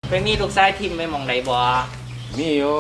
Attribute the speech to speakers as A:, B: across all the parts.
A: ไปมีลูกชายทิมไปมองไหนบ่
B: มีอยู่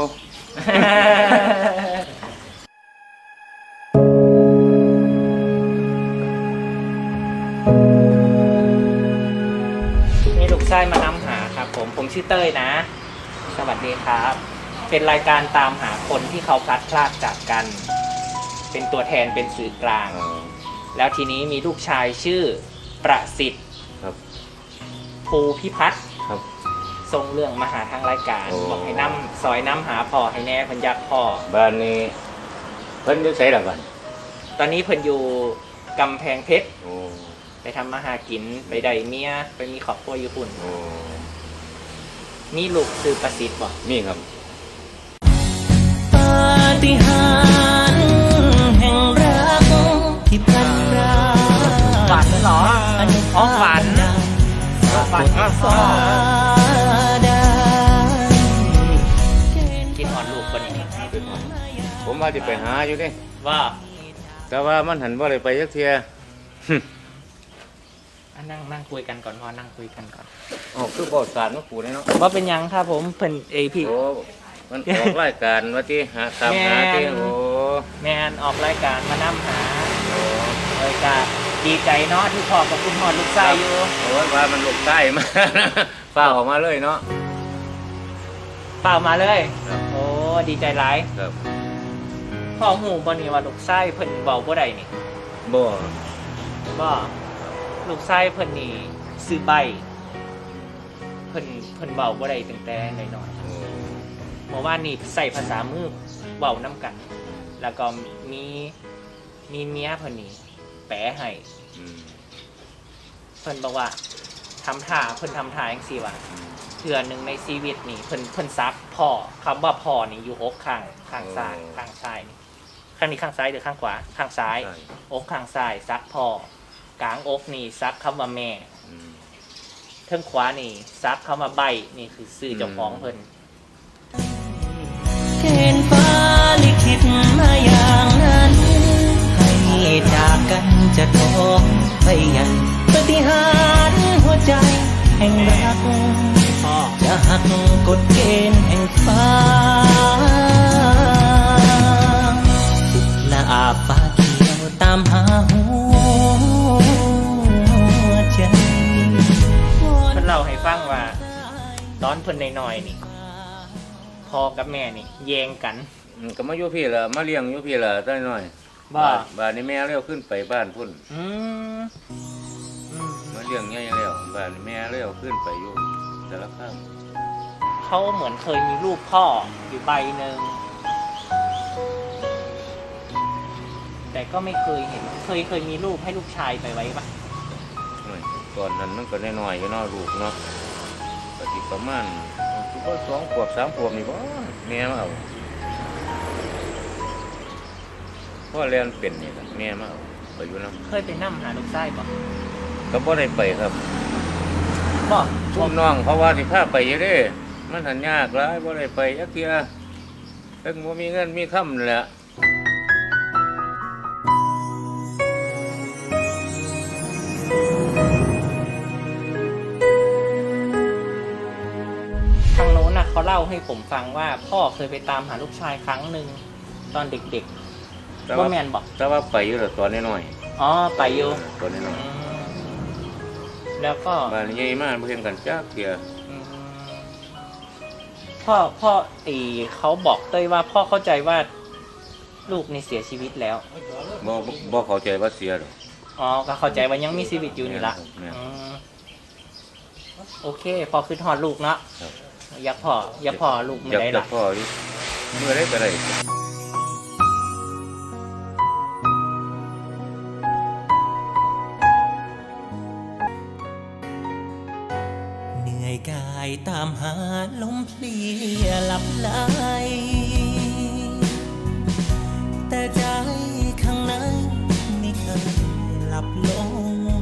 A: มีลูกชายมานำหาครับผมชื่อเต้ยนะ สวัสดีครับ เป็นรายการตามหาคนที่เขาพลัดพรากจากกัน เป็นตัวแทนเป็นสื่อกลาง แล้วทีนี้มีลูกชายชื่อประสิทธิ์
B: ครับ
A: ภูพิพัฒน์
B: ครับ
A: ทรงเรื่องมาหาทางรายการบอกให้นำซอยน้ำหาพ่อให้แน่เพิ่นอยากพ่อ
B: บ้านนี้เพิ่นอยู่ไสล่ะบ้าน
A: ตอนนี้เพิ่นอยู่กำแพงเพชรไปทำมาหากินไปได้เมียไปมีครอบครัวอยู่ปุ่นมีลูกชื่อประสิทธิ์บ่
B: มีครับ
C: ปาฏิหาริย์แห่งรักที่พลันพราก
A: ฝันเหรออ๋อฝันก็ฟ้าได้กินหอนลูกบ่นี่
B: ผมว่าจะไปหาอยู่เด้
A: ว่า
B: แต่ว่ามันหันบ่ได้ไปจักเที่ย
A: นั่งคุยกันก่อนพอนั่งคุยกันก่อน
B: อ๋อคือบ่สารมาปูเนาะ
A: ว่าเป็นยังครับผมเพิ่นพี่
B: โอ้มันออกรายการว่าที่หาตามหาที่โอ้
A: แม่นออกรายการมานำหาเลยก็ดีใจเนาะที่พ่อกับคุณพ่อลูกชายอยู่
B: โอ้ว่ามันลูกชายมาฟ้าออกมาเลยเนาะ
A: เปล่ามาเลยโอ้ดีใจหลาย
B: ครับ
A: พ่อหูบ่นี่ว่าลูกชายเพิ่นเว้าบ่ได้นี่
B: บ่
A: ลูกชายเพิ่นนี่ซื้อใบเพิ่นเว้าบ่ได้ตั้งแต่น้อยๆเมื่อวานนี้ใส่ภาษามือเว้านำกันแล้วก็มีเมียเพิ่นนี่แปลให้เพิ่นบอกว่าทำท่าจังซี่ว่าเทื่อนึงในชีวิตนี่เพิ่นซักพ่อคำว่าพ่อนี่อยู่อกข้างซ้ายนี่ข้างนี้ข้างซ้ายหรือข้างขวาข้างซ้ายอกข้างซ้ายซักพ่อกลางอกนี่ซักคำว่าแม่ทางขวานี่ซักคำว่าใบนี่คือชื่อเจ้าของเพิ่น
C: เกณฑ์ฟ้าลิขิตมาอย่างนั้นให้จากกันจะท้องไปยังปฏิหารหัวใจแห่งรักจะหักกฎเกณฑ์แห่งฟ้าและอาบฟ้าเขียวตามหาหัวใจ
A: เพิ่นเล่าให้ฟังว่าตอนเพิ่นน้อยๆนี่พ่อกับแม่นี่แย่งกัน
B: ก็มาอยู่พี่ล่ะมาเลี้ยงอยู่พี่ล่ะตั้งน้อยบ้านนี้แม่เลี้ยวขึ้นไปบ้านพุ่นมาเลี้ยงใหญ่แล้วบ้านนี้แม่เลี้ยวขึ้นไปอยู่แต่ละข้าง
A: เขาเหมือนเคยมีรูปพ่ออยู่ใบหนึ่งแต่ก็ไม่เคยเห็นเคยมีรูปให้ลูกชายไปไว้ปะ
B: ก่อนนั้นมันก็น้อยๆอยู่เนาะลูกเนาะปฏิประมาณก็2 ขวบ 3 ขวบนี่บ่แม่มาเอาพ่อเรียนเป็นนี่ครับแม่มาเอาไปอยู่นำ
A: เคยไปนำหาลูกชายบ่
B: ก็บ่ได้ไปครับ
A: บ่
B: ชุมน้องเพราะว่าสิพาไปอยู่เด้มันหันยากหลายบ่ได้ไปจักเที่ยถึงบ่มีเงินมีค่ำนั่นแหละ
A: เขาเล่าให้ผมฟังว่าพ่อเคยไปตามหาลูกชายครั้งหนึ่งตอนเด็กๆว่าแมนบอก
B: แต่ว่าไปอยู่แต่ตอนน้อย
A: อ๋อไปอยู่
B: ตอนน้อย
A: แล้วก็
B: บ้านใหญ่มากเพื่อนกันจักเที่ย
A: พ่อเขาบอกเต้ยว่าพ่อเข้าใจว่าลูกนี่เสียชีวิตแล้ว
B: บ่เข้าใจว่าเสียหรอก
A: อ๋อก็เข้าใจว่ายังมีชีวิตอยู่นี่ละโอเคพอคือทอดลูกเนาะอยากพ่อลูกไม่ได้หรอก
B: อยากพ่อเมื่อได้ก็ได้
C: เหนื่อยกายตามหาลมเพลียหลับไหลแต่ใจข้างในไม่เคยหลับลง